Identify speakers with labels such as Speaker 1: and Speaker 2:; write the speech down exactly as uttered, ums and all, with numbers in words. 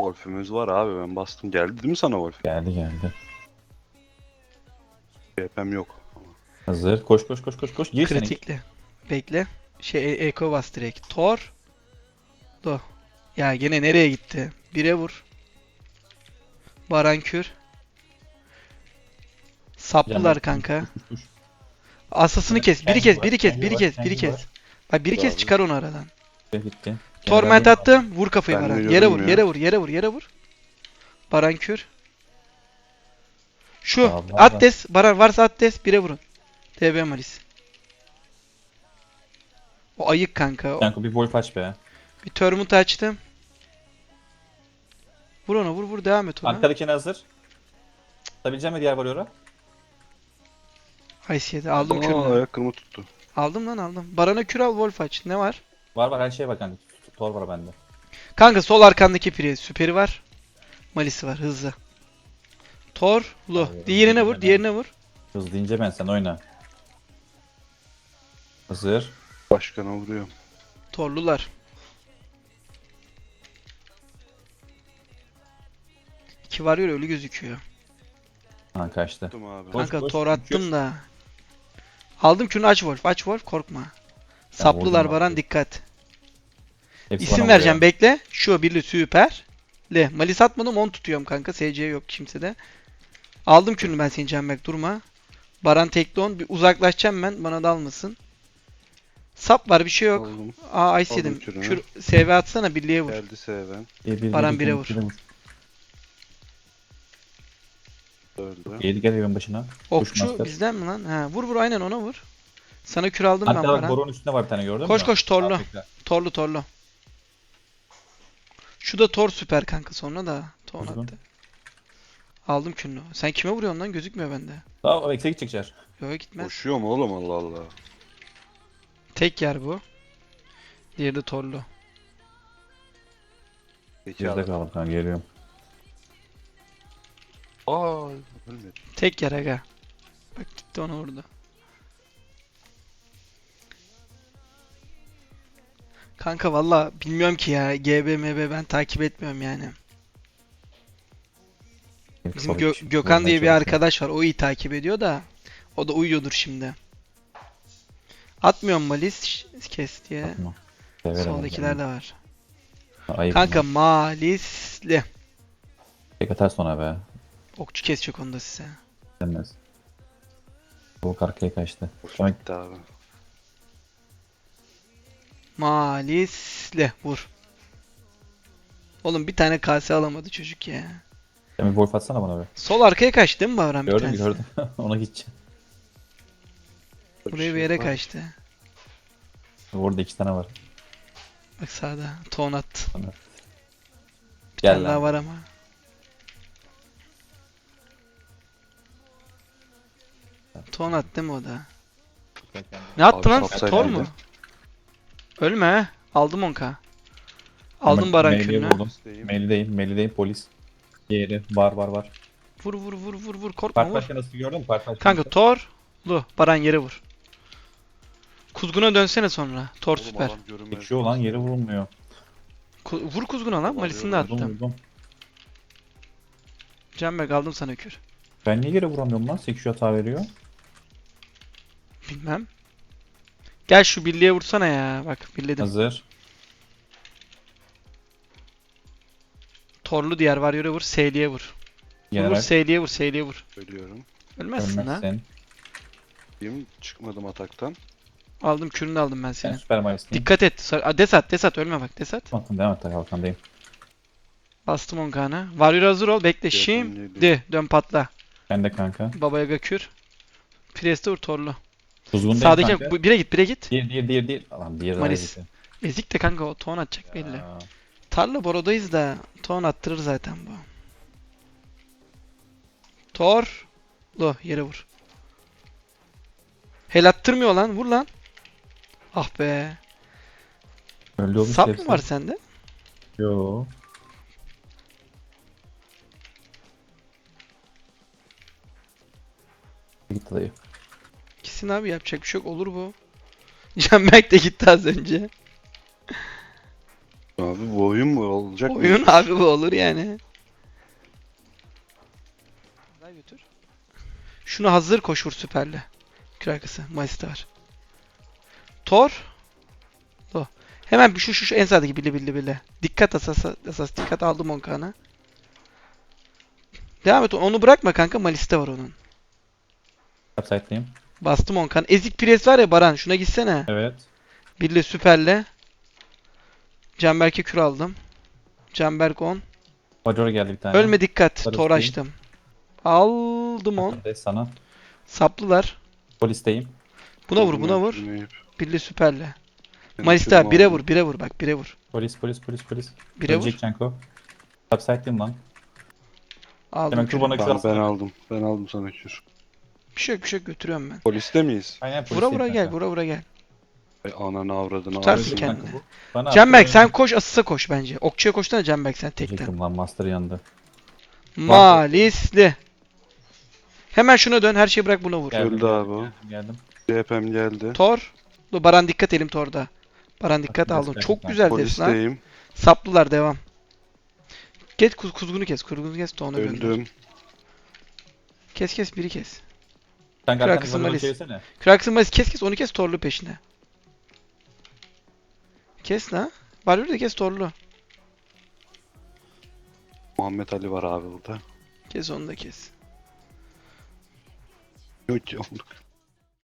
Speaker 1: Wolf'ümüz var abi, ben bastım. Geldi değil mi sana Wolf?
Speaker 2: Geldi geldi.
Speaker 1: G P'm yok.
Speaker 2: Hazır. Koş koş koş koş koş. Gir sen ilk.
Speaker 3: Kritikli. Bekle. Şey e- Eko bas direkt. Thor. Do. Ya gene nereye gitti? Bire vur. Barankür. Saplılar kanka.
Speaker 2: Koş, koş, koş.
Speaker 3: Asasını kes. Biri
Speaker 2: Kendi
Speaker 3: kes,
Speaker 2: var,
Speaker 3: biri kes,
Speaker 2: kendi
Speaker 3: biri
Speaker 2: var,
Speaker 3: kes,
Speaker 2: kendi
Speaker 3: biri kes.
Speaker 2: var.
Speaker 3: Bak biri
Speaker 1: Dur
Speaker 3: kes
Speaker 1: abi.
Speaker 3: çıkar onu aradan.
Speaker 2: Gitti. Gitti.
Speaker 3: Torment
Speaker 2: Gene ben
Speaker 3: attım. Vur kafayı
Speaker 1: Ben
Speaker 3: Baran.
Speaker 1: de
Speaker 3: Yere vur,
Speaker 1: görünmüyor.
Speaker 3: yere vur, yere vur, yere vur, yere vur. Barankür. Şu.
Speaker 2: Aa, var, var.
Speaker 3: Atles. Baran varsa Atles. Bire vurun. T B Malis. O ayık kanka. O-
Speaker 2: Kanka bir Wolf aç be.
Speaker 3: Bir Tormut açtım. Vur ona vur vur devam et ona.
Speaker 2: Arkadakine hazır. Tutabileceğim mi diğer varıyor'a?
Speaker 3: Ice yedi. Aldım
Speaker 1: Aa,
Speaker 3: kürünü.
Speaker 1: ayak kırımı tuttu.
Speaker 3: Aldım lan aldım. Baran'a kür al Wolf aç. Ne var?
Speaker 2: Var var her şey var kanka. Tor var bende.
Speaker 3: Kanka sol arkandaki pire. Süperi var. Malisi var. Hızlı. Thor. Lu.
Speaker 2: Hayır,
Speaker 3: Diğerine vur.
Speaker 2: neden?
Speaker 3: Diğerine vur.
Speaker 2: Hızlı ince ben sen oyna. Hazır.
Speaker 1: Başkana vuruyorum.
Speaker 3: Torlular. İki var ya ölü gözüküyor.
Speaker 2: Ha kaçtı.
Speaker 1: Tuttum abi.
Speaker 2: Koş,
Speaker 3: Kanka
Speaker 2: koş,
Speaker 3: tor
Speaker 2: kür.
Speaker 3: attım da. Aldım kürünü aç Wolf. Aç Wolf korkma. Saplılar
Speaker 2: vurdum
Speaker 3: Baran
Speaker 2: abi.
Speaker 3: dikkat.
Speaker 2: Hepsi
Speaker 3: İsim
Speaker 2: bana
Speaker 3: vereceğim
Speaker 2: vuruyor.
Speaker 3: bekle. Şu birli süper. Le. Malis atmadım on tutuyorum kanka. S C yok kimsede. Aldım kürünü ben seni Canberk durma. Baran tekli on. Bir uzaklaşacağım ben. Bana dalmasın. Sap var bir şey yok.
Speaker 1: Aldım.
Speaker 3: Aa ice
Speaker 1: Aldım
Speaker 3: yedim.
Speaker 1: kürünü.
Speaker 3: Kür S V atsana birliğe vur.
Speaker 1: Geldi Seven.
Speaker 2: Bir, bir,
Speaker 3: Baran
Speaker 2: bir,
Speaker 3: bire
Speaker 2: bir,
Speaker 3: vur.
Speaker 2: bir, bir.
Speaker 1: Öldü.
Speaker 2: Yedi gel evin başına.
Speaker 3: Okçu
Speaker 2: master.
Speaker 3: bizden mi lan? Ha, vur vur aynen ona vur. Sana kür aldım ben
Speaker 2: Arkada bak
Speaker 3: Baran.
Speaker 2: boronun üstünde var bir tane gördün
Speaker 3: Koş
Speaker 2: mü?
Speaker 3: koş torlu.
Speaker 2: Afrika.
Speaker 3: Torlu torlu. Şu da tor süper kanka sonra da. Ton
Speaker 2: Kuzgun.
Speaker 3: attı. Aldım kürünü. Sen kime vuruyorsun lan? Gözükmüyor bende.
Speaker 2: Tamam o ekse gidecek Cer.
Speaker 3: Yok gitmez.
Speaker 1: Koşuyor mu oğlum, Allah Allah.
Speaker 3: Tek yer bu. Diğeri de torlu.
Speaker 1: Peki
Speaker 2: Geride
Speaker 1: abi.
Speaker 2: kaldım kanka geliyorum.
Speaker 1: Aa, ölmedi.
Speaker 3: Tek yer aga. Bak gitti onu vurdu. Kanka valla bilmiyorum ki ya. G B M B ben takip etmiyorum yani. Bizim
Speaker 2: Tabii
Speaker 3: Gö-
Speaker 2: ki.
Speaker 3: Gökhan
Speaker 2: Vurmaya
Speaker 3: diye bir
Speaker 2: çalışıyorum.
Speaker 3: arkadaş var. O iyi takip ediyor da. O da uyuyordur şimdi. Atmıyorum Malis ş- kes diye.
Speaker 2: Tamam. Severim
Speaker 3: Soldakiler
Speaker 2: onu.
Speaker 3: de var.
Speaker 2: Ayıp.
Speaker 3: Kanka Malisli.
Speaker 2: Tek atar sonra be.
Speaker 3: Okçu kesecek onu da size.
Speaker 2: Denmez. Bu arkaya kaçtı.
Speaker 1: Hoş
Speaker 2: Tamam.
Speaker 1: bitti abi.
Speaker 3: Malisli. Vur. Oğlum bir tane kase alamadı çocuk ya.
Speaker 2: Sen bir Wolf atsana bana be.
Speaker 3: Sol arkaya kaçtı değil mi Bahram bir
Speaker 2: Gördüm
Speaker 3: tanesi?
Speaker 2: gördüm. Ona gideceğim.
Speaker 3: Buraya bir yere kaçtı.
Speaker 2: Orada iki tane var.
Speaker 3: Bak sağda. Ton attı.
Speaker 2: Tamam.
Speaker 3: Bir
Speaker 2: Gel
Speaker 3: tane
Speaker 2: lan.
Speaker 3: daha var ama. Ton attı değil mi o da? Ne attı
Speaker 1: Abi
Speaker 3: lan?
Speaker 1: sapsaydı
Speaker 3: Tor
Speaker 1: mıydı?
Speaker 3: mu? Ölme he. Aldım onka. Aldım Baran
Speaker 2: Mail'i
Speaker 3: kürünü.
Speaker 2: vurdum.
Speaker 1: İsteyeyim.
Speaker 2: Mail'deyim. Mail'deyim polis. Diğeri var var var.
Speaker 3: Vur vur vur vur vur. Korkma
Speaker 2: Park
Speaker 3: vur.
Speaker 2: başkanı nasıl gördün mü? Park başkanı.
Speaker 3: Kanka Thor. Lu. Baran yere vur. Kuzguna dönsene sonra. Thor
Speaker 1: Oğlum
Speaker 3: süper.
Speaker 1: adam görünmez.
Speaker 2: Geçiyor lan yeri vurulmuyor.
Speaker 3: Ku- vur kuzguna lan. Malisini de
Speaker 1: Alıyorum,
Speaker 2: Vurdum
Speaker 3: attım.
Speaker 2: vurdum.
Speaker 3: Canberk aldım sana kür.
Speaker 2: Ben niye yere vuramıyorum lan? sekiz hata veriyor.
Speaker 3: Bilmem. Gel şu birliğe vursana ya. Bak birledim.
Speaker 2: Hazır.
Speaker 3: Torlu diğer var yere vur. Seyliğe vur. Vur, vur
Speaker 2: General.
Speaker 3: Seyliğe vur. Seyliğe vur.
Speaker 1: Ölüyorum.
Speaker 3: Ölmezsin ha.
Speaker 2: Ölmezsin.
Speaker 1: Diyeyim, çıkmadım ataktan.
Speaker 3: Aldım kürünü de aldım ben
Speaker 2: Sen
Speaker 3: senin.
Speaker 2: süper maristin.
Speaker 3: Dikkat et. Sar- Aa, Desat desat ölme bak desat.
Speaker 2: Bakın devam et kalkandayım.
Speaker 3: Bastım on kanı. Warrior hazır ol. Bekle
Speaker 1: Yakın
Speaker 3: şimdi.
Speaker 1: geliyor.
Speaker 3: Dön patla.
Speaker 2: Ben de kanka.
Speaker 3: Babaya gakür. Priest'e vur torlu.
Speaker 2: Kuzgundayım
Speaker 3: Sağdaki
Speaker 2: kanka.
Speaker 3: bu- bire git bire git.
Speaker 2: Diğer diğer diğer diğer. Alan diğer daha
Speaker 3: Maris.
Speaker 2: gitti.
Speaker 3: Ezik de kanka o ton atacak belli.
Speaker 2: Aa,
Speaker 3: Tarla borodayız da ton attırır zaten bu. Tor. Lo yere vur. Hel attırmıyor lan vur lan. Ah be.
Speaker 2: Öldü oğlum
Speaker 3: Sap
Speaker 2: hepsi.
Speaker 3: mı var sende?
Speaker 2: Yo. Gitti dayı.
Speaker 3: Gitsin abi yapacak bir şey yok olur bu. Canberk de gitti az önce.
Speaker 1: Abi bu oyun mu olacak mı?
Speaker 3: Oyun abi bu olur yani. Daha götür. Şunu hazır koş vur süperle. Kür arkası. Mayıs'ta var. Tor. Do. Hemen bir şu şu, şu en sağdaki bile bile bile. Dikkat asas asas dikkat aldım on kanı. Devam et onu bırakma kanka Malis'te var onun.
Speaker 2: Upside'dayım.
Speaker 3: Bastım on kan. Ezik pres var ya Baran şuna gitsene.
Speaker 2: Evet.
Speaker 3: Birle süperle. Canberk'e kür aldım. Canberk on.
Speaker 2: Major geldi bir tane.
Speaker 3: Ölme dikkat.
Speaker 2: Barış
Speaker 3: Tor
Speaker 2: değil.
Speaker 3: açtım. Aldım on.
Speaker 2: Bakın de sana.
Speaker 3: Saplılar.
Speaker 2: Polisteyim.
Speaker 3: Buna vur buna vur. Birle süperle. Malis'te bire vur bire vur bak bire vur.
Speaker 2: Polis polis polis polis.
Speaker 3: Bire vur.
Speaker 2: Ölecek Canko. Upside'dayım lan.
Speaker 3: Aldım
Speaker 2: Hemen
Speaker 3: kürü.
Speaker 2: kür bana kür
Speaker 1: Ben,
Speaker 2: alsana.
Speaker 1: ben aldım. Ben aldım sana kür.
Speaker 3: Bir şey yok bir şey yok götürüyorum ben.
Speaker 1: Poliste miyiz?
Speaker 2: Aynen
Speaker 3: Vura
Speaker 2: polisteyim
Speaker 3: vura gel
Speaker 2: kanka.
Speaker 3: vura vura gel.
Speaker 1: Ay ananı avradını
Speaker 3: Tutarsın
Speaker 1: ağzını.
Speaker 3: kendini.
Speaker 2: Kanka bu. Bana
Speaker 3: Canberk
Speaker 2: attı,
Speaker 3: sen
Speaker 2: oyna.
Speaker 3: koş asısa koş bence. Okçuya koşsana Canberk sen tekten.
Speaker 2: Diyecektim lan master yandı.
Speaker 3: Malisli. Hemen şuna dön her şeyi bırak buna vur.
Speaker 2: Geldim,
Speaker 1: Öldü abi o.
Speaker 2: Geldim, geldim.
Speaker 1: C P M geldi.
Speaker 3: Tor. Dur Baran dikkat elim Tor'da. Baran dikkat
Speaker 2: Biraz
Speaker 3: aldım.
Speaker 2: belki
Speaker 3: Çok
Speaker 2: ben
Speaker 3: güzel desin lan.
Speaker 1: Polisteyim.
Speaker 3: Saplılar devam. Get kuz kuzgunu kes. Kuzgunu kes de ona gönder.
Speaker 1: Öldüm.
Speaker 3: Kes kes biri kes.
Speaker 2: Sen
Speaker 3: Kırak
Speaker 2: arkanı
Speaker 3: kısım
Speaker 2: bana
Speaker 3: Malis.
Speaker 2: çevirsene.
Speaker 3: Kraksın Malis kes kes onu kes Torlu peşine. Kes la. Barbarı da kes Torlu.
Speaker 1: Muhammed Ali var abi burada.
Speaker 3: Kes onu da kes.
Speaker 1: Yok ki olduk.